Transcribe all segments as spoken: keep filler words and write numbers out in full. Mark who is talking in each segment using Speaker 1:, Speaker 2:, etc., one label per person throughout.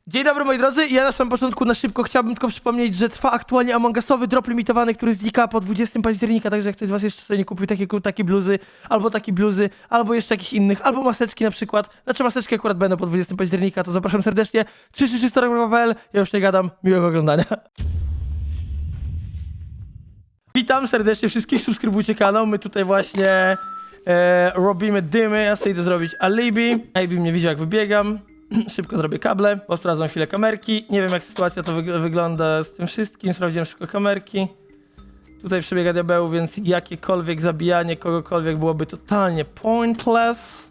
Speaker 1: Dzień dobry moi drodzy, ja na samym początku na szybko chciałbym tylko przypomnieć, że trwa aktualnie Among Usowy drop limitowany, który znika po dwudziestego października, także jak ktoś z was jeszcze sobie nie kupił takie, takie bluzy, albo takie bluzy, albo jeszcze jakichś innych, albo maseczki na przykład, znaczy maseczki akurat będą po dwudziestego października, to zapraszam serdecznie, trzy trzy trzy kropka kropka pe el, ja już nie gadam, miłego oglądania. Witam serdecznie wszystkich, subskrybujcie kanał, my tutaj właśnie e, robimy dymy, ja sobie idę zrobić alibi, alibi mnie widział jak wybiegam. Szybko zrobię kable, bo sprawdzam chwilę kamerki. Nie wiem jak sytuacja to wyg wygląda z tym wszystkim. Sprawdziłem szybko kamerki. Tutaj przebiega diabeł, więc jakiekolwiek zabijanie kogokolwiek byłoby totalnie pointless.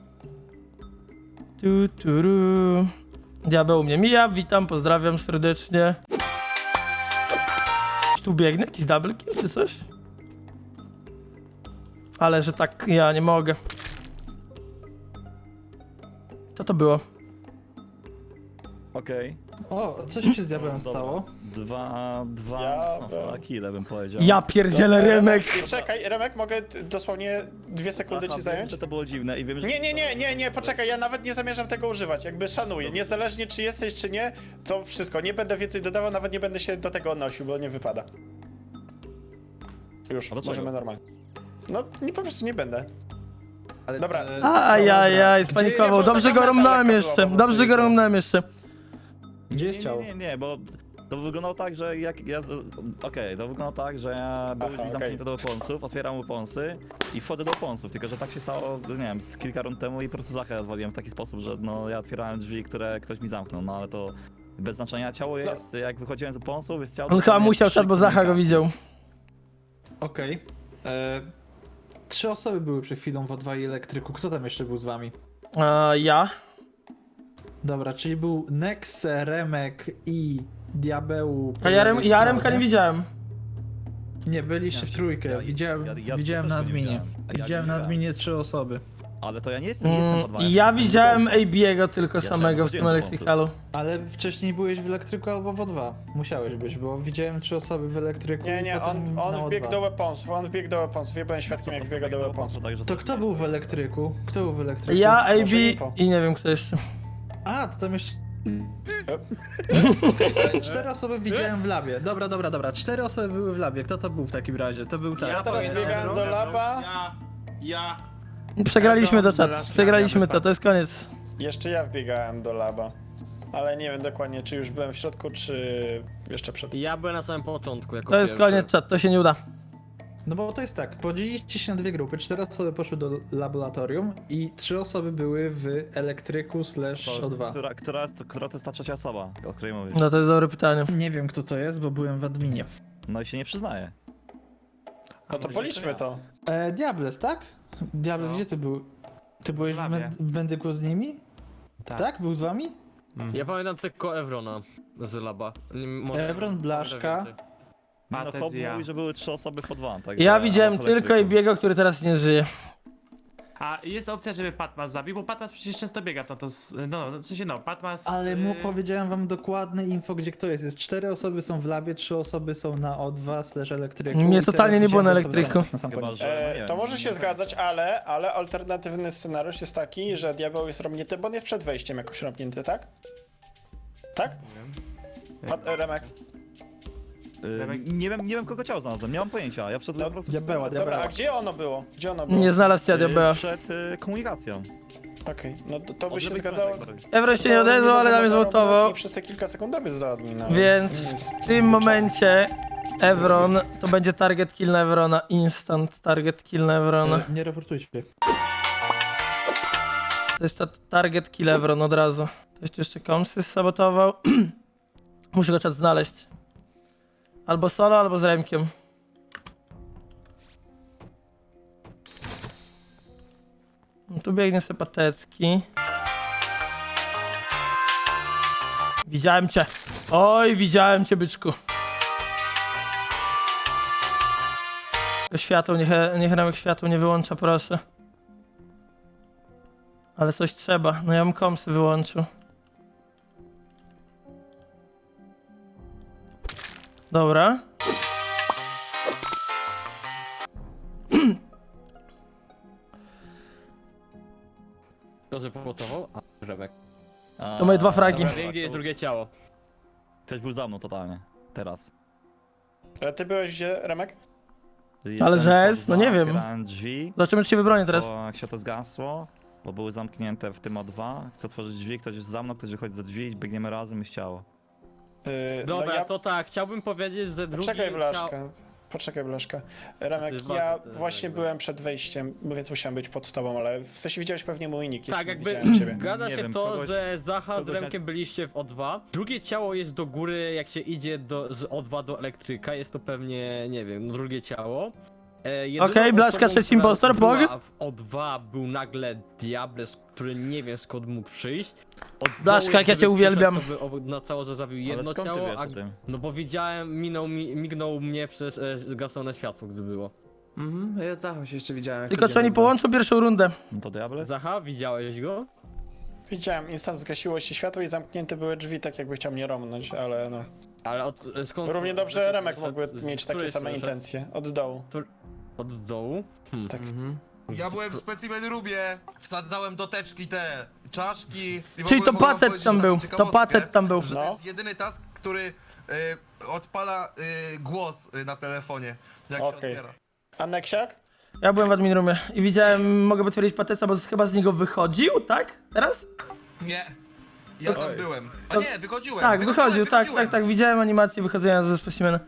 Speaker 1: Tu, tu, ru. Diabeł mnie mija, witam, pozdrawiam serdecznie. Tu biegnie jakiś double kill czy coś? Ale że tak ja nie mogę. Co to było?
Speaker 2: Okej.
Speaker 3: O, co się z diabłem
Speaker 2: Dobra.
Speaker 3: stało?
Speaker 2: Dwa, dwa,
Speaker 4: Ja
Speaker 2: no,
Speaker 4: bym-
Speaker 2: dwa kile bym powiedział.
Speaker 1: Ja pierdzielę Remek!
Speaker 4: Czekaj, Remek, mogę t- dosłownie dwie sekundy
Speaker 2: Zacha,
Speaker 4: ci zająć?
Speaker 2: Wiem, że to było dziwne i wiem, że...
Speaker 4: Nie, nie, nie, nie, nie, poczekaj, ja nawet nie zamierzam tego używać, jakby szanuję. Niezależnie czy jesteś, czy nie, to wszystko. Nie będę więcej dodawał, nawet nie będę się do tego odnosił, bo nie wypada. Już,
Speaker 2: A dlaczego?
Speaker 4: możemy normalnie. No, nie, po prostu nie będę.
Speaker 3: Ale
Speaker 4: Dobra.
Speaker 3: e,
Speaker 1: Ajajaj,
Speaker 3: Gdzie-
Speaker 1: spanikował.
Speaker 4: nie,
Speaker 1: Dobrze
Speaker 4: taka
Speaker 1: go
Speaker 4: meta
Speaker 1: romnąłem
Speaker 4: lekka
Speaker 1: jeszcze.
Speaker 4: była po
Speaker 1: Dobrze
Speaker 4: prostu,
Speaker 1: go
Speaker 4: widzę.
Speaker 1: romnąłem jeszcze.
Speaker 3: Gdzie
Speaker 2: Nie,
Speaker 3: jest ciało?
Speaker 2: nie, nie, nie, bo to wyglądało tak, że jak ja... z- Okej, to wyglądało tak, że ja byłem
Speaker 4: Aha,
Speaker 2: drzwi zamknięte do oponsów, otwieram oponsy i wchodzę do oponsów, tylko że tak się stało, nie wiem, z kilka rund temu i po prostu Zachę odwaliłem w taki sposób, że no ja otwierałem drzwi, które ktoś mi zamknął, no ale to bez znaczenia. Ciało jest, jak wychodziłem z oponsów, jest ciało...
Speaker 1: On chyba
Speaker 2: dosłownie
Speaker 1: musiał
Speaker 2: przy
Speaker 1: tak, bo Zacha go
Speaker 2: komunikacji.
Speaker 1: widział.
Speaker 3: Okej. E, Trzy osoby były przed chwilą w O dwa i elektryku. Kto tam jeszcze był z wami?
Speaker 1: A, ja?
Speaker 3: Dobra, czyli był Nex, Remek i Diabeł. po
Speaker 1: A ja, Rem,
Speaker 3: lewej
Speaker 1: ja Remka
Speaker 3: stronie.
Speaker 1: nie widziałem.
Speaker 3: Nie, byliście w trójkę.
Speaker 2: Ja-
Speaker 3: widziałem
Speaker 2: ja- ja
Speaker 3: widziałem
Speaker 2: też
Speaker 3: na
Speaker 2: go nie
Speaker 3: adminie.
Speaker 2: widziałem. A ja
Speaker 3: Widziałem
Speaker 2: nie
Speaker 3: na
Speaker 2: widziałem.
Speaker 3: adminie trzy osoby.
Speaker 2: Ale to ja nie jestem, nie jestem
Speaker 1: Mm,
Speaker 2: pod
Speaker 1: ja
Speaker 2: jestem
Speaker 1: widziałem
Speaker 2: w oponsach.
Speaker 1: A B go tylko
Speaker 2: Ja
Speaker 1: samego w tym
Speaker 2: chodziłem do
Speaker 1: elektrykalu.
Speaker 3: Ale wcześniej byłeś w elektryku albo w O dwa. Musiałeś być, bo widziałem trzy osoby w elektryku.
Speaker 4: Nie,
Speaker 3: i
Speaker 4: nie,
Speaker 3: potem
Speaker 4: on,
Speaker 3: na
Speaker 4: on
Speaker 3: O
Speaker 4: wbiegł
Speaker 3: dwa.
Speaker 4: do weaponsów, on wbiegł do weaponsów, ja byłem świadkiem jak wbiega do weaponsów.
Speaker 2: Także
Speaker 3: To kto był w elektryku? Kto był w elektryku?
Speaker 1: Ja, A B
Speaker 4: Może Niko.
Speaker 1: i nie wiem kto jeszcze.
Speaker 3: A, to tam jeszcze... Cztery osoby widziałem w labie. Dobra, dobra, dobra. Cztery osoby były w labie. Kto to był w takim razie? To był tak.
Speaker 4: Ja teraz biegałem do laba,
Speaker 5: Ja, ja.
Speaker 1: Przegraliśmy to, czat.
Speaker 5: Blaszka,
Speaker 1: Przegraliśmy
Speaker 5: ja
Speaker 1: to, to jest koniec.
Speaker 4: jeszcze ja wbiegałem do laba. Ale nie wiem dokładnie, czy już byłem w środku, czy jeszcze przed.
Speaker 6: Ja byłem na samym początku jako
Speaker 1: To jest
Speaker 6: pierwszy.
Speaker 1: koniec, czat, to się nie uda.
Speaker 3: No bo to jest tak, podzieliliście się na dwie grupy. Cztery osoby poszły do laboratorium i trzy osoby były w elektryku slash O dwa.
Speaker 2: Która, która, jest, która to jest ta trzecia osoba, o której mówisz?
Speaker 1: No to jest dobre pytanie.
Speaker 3: Nie wiem kto to jest, bo byłem w adminie.
Speaker 2: No i się nie przyznaje.
Speaker 4: No to policzmy to.
Speaker 3: E, Diables, tak? Diables,
Speaker 5: No.
Speaker 3: gdzie ty był? Ty byłeś w,
Speaker 5: labie.
Speaker 3: Wen- w Wendyku z nimi?
Speaker 5: Tak.
Speaker 3: Tak? Był z wami?
Speaker 6: Ja pamiętam tylko Evrona z laba. Nie, może-
Speaker 3: Evron, Blaszka.
Speaker 6: może więcej.
Speaker 2: No
Speaker 5: Patec
Speaker 2: chłop
Speaker 5: i ja.
Speaker 2: mówi, że były trzy osoby pod van, tak?
Speaker 1: Ja widziałem tylko A B go, który teraz nie żyje.
Speaker 5: A jest opcja, żeby Patmas zabił, bo Patmas przecież często biega w to, to s- no, no, w sensie no, Patmas...
Speaker 3: Ale mu
Speaker 5: y,
Speaker 3: powiedziałem wam dokładne info, gdzie kto jest. Jest cztery osoby są w labie, trzy osoby są na O dwa slash elektryku.
Speaker 1: Mnie
Speaker 3: i
Speaker 1: totalnie
Speaker 3: teraz
Speaker 1: nie było na
Speaker 3: widziałem
Speaker 1: elektryku.
Speaker 3: na sam
Speaker 2: Chyba,
Speaker 3: koniec.
Speaker 2: że- no nie
Speaker 4: E,
Speaker 2: wiem,
Speaker 4: to może się
Speaker 2: nie
Speaker 4: zgadzać,
Speaker 2: wiem.
Speaker 4: ale, ale alternatywny scenariusz jest taki, że diabeł jest robnięty, bo on jest przed wejściem jakoś robnięty, tak? Tak? Pat, e, Remek.
Speaker 2: Y, nie wiem, nie wiem kogo ciało znalazłem, nie mam pojęcia. Ja wszedłem
Speaker 4: No,
Speaker 2: po prostu...
Speaker 3: Diabeła,
Speaker 4: Dobra,
Speaker 3: diabeła.
Speaker 4: a gdzie ono było? Gdzie ono było?
Speaker 1: Nie znalazł ja
Speaker 2: y,
Speaker 1: diabeła.
Speaker 2: Przed y, komunikacją.
Speaker 4: Okej, no to, to
Speaker 2: Od
Speaker 4: by się
Speaker 2: lewej
Speaker 4: zgadzało.
Speaker 2: strony, tak.
Speaker 1: Evro się
Speaker 4: To
Speaker 1: nie odezwał, ale na mnie
Speaker 4: można
Speaker 1: zwołtował.
Speaker 4: równać i przez te kilka sekund dobiec do admina.
Speaker 1: Więc
Speaker 4: to nie jest-
Speaker 1: w tym momencie Evron to będzie target kill na Evrona. Instant target kill na Evrona.
Speaker 3: E, Nie raportujcie.
Speaker 1: To jest ta target kill Evron od razu. Ktoś tu jeszcze komsy sabotował. Muszę go czas znaleźć. Albo solo, albo z Remkiem. No tu biegnie sobie Patecki. Widziałem cię. Oj, widziałem cię, byczku. To światło, niech, niech Remek światło nie wyłącza, proszę. Ale coś trzeba. No ja bym komsy wyłączył. Dobra.
Speaker 6: To, że powotował? A, Remek.
Speaker 2: A,
Speaker 1: To moje dwa fragi.
Speaker 2: Dobra,
Speaker 6: Wiem, gdzie jest drugie ciało.
Speaker 2: Ktoś był za mną totalnie. Teraz.
Speaker 4: A ty byłeś gdzie, Remek?
Speaker 2: Jestem
Speaker 1: że jest?
Speaker 2: pod
Speaker 1: No
Speaker 2: dwa,
Speaker 1: nie wiem.
Speaker 2: Otwierałem drzwi,
Speaker 1: Zobaczymy, czy się wybronię teraz.
Speaker 2: bo jak się to zgasło, bo były zamknięte w tym O dwa. Chcę otworzyć drzwi, ktoś jest za mną, ktoś wychodzi za drzwi, biegniemy razem i ciało.
Speaker 4: Yy,
Speaker 6: Dobra,
Speaker 4: no ja...
Speaker 6: to tak, chciałbym powiedzieć, że drugie
Speaker 4: Poczekaj,
Speaker 6: ciało...
Speaker 4: Blaszka. Poczekaj, Blaszka. Remek,
Speaker 6: Ty
Speaker 4: ja
Speaker 6: bardzo, ty
Speaker 4: właśnie
Speaker 6: jakby.
Speaker 4: byłem przed wejściem, więc musiałem być pod tobą, ale w sensie widziałeś pewnie mój nick,
Speaker 6: Tak,
Speaker 4: jeśli
Speaker 6: jakby
Speaker 4: widziałem ciebie.
Speaker 6: gada
Speaker 2: Nie
Speaker 6: się
Speaker 2: wiem,
Speaker 6: to,
Speaker 2: kogoś-
Speaker 6: że Zacha z
Speaker 2: kogoś
Speaker 6: Remkiem
Speaker 2: jak-
Speaker 6: byliście w O dwa. Drugie ciało jest do góry, jak się idzie do, z O dwa do elektryka, jest to pewnie, nie wiem, drugie ciało. E, jedyną
Speaker 1: Okej, Blaszka,
Speaker 6: osobą,
Speaker 1: trzeci
Speaker 6: która
Speaker 1: impostor,
Speaker 6: była
Speaker 1: Pog.
Speaker 6: w O dwa był nagle Diables, który nie wiem skąd mógł przyjść. Od dołu,
Speaker 1: Blaszka, jak ja
Speaker 6: gdyby
Speaker 1: cię uwielbiam.
Speaker 6: przyszedł, To by oznaczało, że zabił
Speaker 2: Ale
Speaker 6: jedno
Speaker 2: skąd ty
Speaker 6: ciało,
Speaker 2: wiesz
Speaker 6: a...
Speaker 2: o tym?
Speaker 6: No bo widziałem, minął mi, mignął mnie przez e, zgasłone światło, gdy było.
Speaker 5: Mhm, ja Zachą się jeszcze widziałem. jak
Speaker 1: Tylko czy
Speaker 5: chodziłem
Speaker 1: oni
Speaker 5: do domu.
Speaker 1: połączą pierwszą rundę?
Speaker 2: No to Diables?
Speaker 6: Zacha, widziałeś go?
Speaker 4: Widziałem, instant zgasiło się światło i zamknięte były drzwi, tak jakby chciał mnie romnąć, ale no.
Speaker 6: Ale od, skąd...
Speaker 4: Równie dobrze Remek mógłby
Speaker 6: z- z
Speaker 4: mieć takie
Speaker 6: której
Speaker 4: same
Speaker 6: strony szedł?
Speaker 4: intencje, od dołu.
Speaker 6: Od dołu? Hmm.
Speaker 4: Tak.
Speaker 5: Mhm.
Speaker 7: Ja byłem w specimen roomie, wsadzałem do teczki te czaszki. I w
Speaker 1: Czyli
Speaker 7: ogóle
Speaker 1: to
Speaker 7: mogę wam
Speaker 1: Pacet
Speaker 7: powiedzieć
Speaker 1: tam
Speaker 7: taką
Speaker 1: był, to
Speaker 7: ciekawostkę,
Speaker 1: Pacet tam był.
Speaker 7: Że
Speaker 4: No.
Speaker 7: to jest jedyny task, który y, odpala y, głos y, na telefonie, jak się
Speaker 4: Okej.
Speaker 7: otwiera.
Speaker 4: A Neksiak?
Speaker 1: Ja byłem w admin roomie i widziałem, mogę potwierdzić Pateca, bo chyba z niego wychodził, tak? Teraz?
Speaker 7: Nie, ja tam
Speaker 2: Oj.
Speaker 7: byłem. A
Speaker 1: To-
Speaker 7: nie, wychodziłem.
Speaker 1: Tak,
Speaker 7: wychodziłem,
Speaker 1: wychodził, tak,
Speaker 7: wychodziłem.
Speaker 1: tak, tak, widziałem animację wychodzenia ze specimena.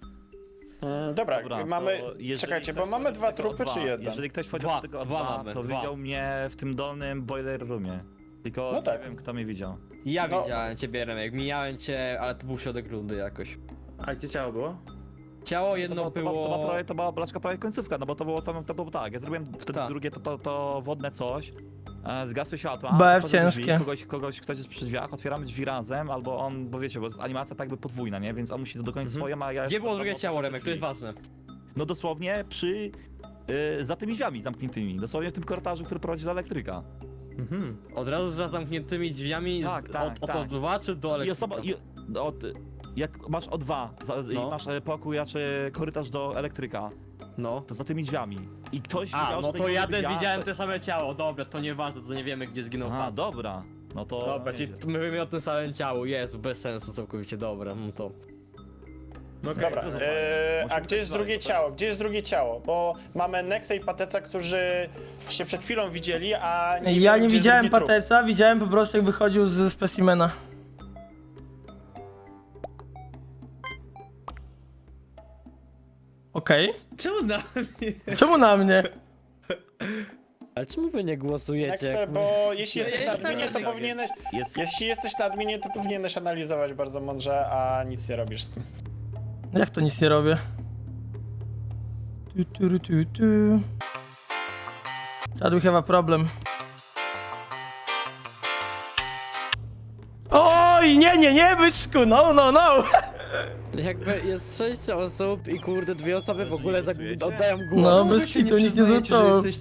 Speaker 4: Mm, dobra,
Speaker 2: Dobra,
Speaker 4: mamy...
Speaker 2: to jeżeli
Speaker 4: Czekajcie, bo
Speaker 2: ktoś
Speaker 4: mamy
Speaker 2: wchodzi
Speaker 4: dwa
Speaker 2: do tego
Speaker 4: trupy
Speaker 2: O
Speaker 4: czy
Speaker 2: dwa,
Speaker 4: jeden?
Speaker 2: Jeżeli ktoś wchodzi
Speaker 6: Dwa,
Speaker 2: do tego O
Speaker 6: dwa
Speaker 2: dwa,
Speaker 6: mamy,
Speaker 2: to
Speaker 6: dwa.
Speaker 2: widział mnie w tym dolnym boiler roomie. Tylko
Speaker 4: No tak.
Speaker 2: nie wiem kto mnie widział.
Speaker 6: Ja
Speaker 4: No.
Speaker 6: widziałem ciebie, Remek, mijałem cię, ale to był środek rundy jakoś.
Speaker 5: A gdzie ciało było?
Speaker 6: Ciało jedno
Speaker 2: to,
Speaker 6: było...
Speaker 2: To, to, była prawie, to była Blaszka prawie końcówka, no bo to było, to, to było tak, ja zrobiłem wtedy
Speaker 6: Tak.
Speaker 2: drugie to, to, to wodne coś, e, zgasły światła,
Speaker 1: B F
Speaker 2: wchodzę do drzwi,
Speaker 1: ciężkie.
Speaker 2: Kogoś, kogoś, ktoś jest przy drzwiach, otwieramy drzwi razem, albo on, bo wiecie, bo animacja tak by podwójna, nie, więc on musi to dokończyć
Speaker 6: Mhm.
Speaker 2: swoją, a ja...
Speaker 6: Gdzie
Speaker 2: jestem
Speaker 6: było
Speaker 2: tam
Speaker 6: drugie
Speaker 2: obok
Speaker 6: ciało,
Speaker 2: tych
Speaker 6: Remek? To jest
Speaker 2: drzwi.
Speaker 6: ważne.
Speaker 2: No dosłownie przy, y, za tymi drzwiami zamkniętymi, dosłownie w tym korytarzu, który prowadzi do elektryka.
Speaker 5: Mhm.
Speaker 6: Od razu za zamkniętymi drzwiami
Speaker 2: Tak,
Speaker 6: z,
Speaker 2: tak,
Speaker 6: od, od
Speaker 2: tak.
Speaker 6: O dwa czy do
Speaker 2: I
Speaker 6: elektryka?
Speaker 2: osoba, i, od, jak masz O dwa za,
Speaker 6: No.
Speaker 2: i masz e, pokój, a czy korytarz do elektryka,
Speaker 6: No.
Speaker 2: to za tymi drzwiami. I ktoś
Speaker 6: A,
Speaker 2: widział,
Speaker 6: no
Speaker 2: że
Speaker 6: to
Speaker 2: tego
Speaker 6: ja
Speaker 2: nie
Speaker 6: też
Speaker 2: widział,
Speaker 6: widziałem
Speaker 2: to-
Speaker 6: te same ciało, dobra, to nieważne, to nie wiemy gdzie zginął
Speaker 2: Aha,
Speaker 6: pan.
Speaker 2: dobra. No to...
Speaker 6: Dobra, czyli
Speaker 2: nieźle.
Speaker 6: my wiemy o tym samym ciału, jest, bez sensu całkowicie, dobra, no to...
Speaker 5: No okej.
Speaker 4: Dobra,
Speaker 2: to zostaje.
Speaker 4: e, a
Speaker 2: Musimy
Speaker 4: gdzie jest
Speaker 2: tak
Speaker 4: drugie
Speaker 2: dalej, to
Speaker 4: ciało?
Speaker 2: jest-
Speaker 4: Gdzie jest drugie ciało? Bo mamy Nexa i Pateca, którzy się przed chwilą widzieli, a nie
Speaker 1: Ja
Speaker 4: wiemy,
Speaker 1: nie
Speaker 4: gdzie jest
Speaker 1: widziałem
Speaker 4: drugi trup.
Speaker 1: Pateca, widziałem po prostu jak wychodził z specimena. Okej.
Speaker 5: Czemu na mnie?
Speaker 1: Czemu na mnie?
Speaker 8: Ale czemu wy nie głosujecie?
Speaker 4: Nexe, bo jeśli
Speaker 5: Ja-
Speaker 4: jesteś
Speaker 5: ja
Speaker 4: na
Speaker 5: jestem
Speaker 4: adminie, to
Speaker 5: tak,
Speaker 4: powinieneś...
Speaker 2: Jest...
Speaker 4: Jeśli jesteś na adminie, to powinieneś analizować bardzo mądrze, a nic nie robisz z tym.
Speaker 1: Jak to nic nie robię? Tu, tu, tu, tu. Chad, we have a problem. Oj, nie, nie, nie, byczku, no, no, no!
Speaker 8: Jakby jest sześć osób i kurde dwie osoby w ogóle
Speaker 2: głosujecie?
Speaker 8: zag- oddają głos.
Speaker 1: No,
Speaker 3: Wy
Speaker 1: bez
Speaker 3: się
Speaker 1: kitu, nic nie
Speaker 3: przyznajecie, że
Speaker 1: złoto.
Speaker 3: jesteś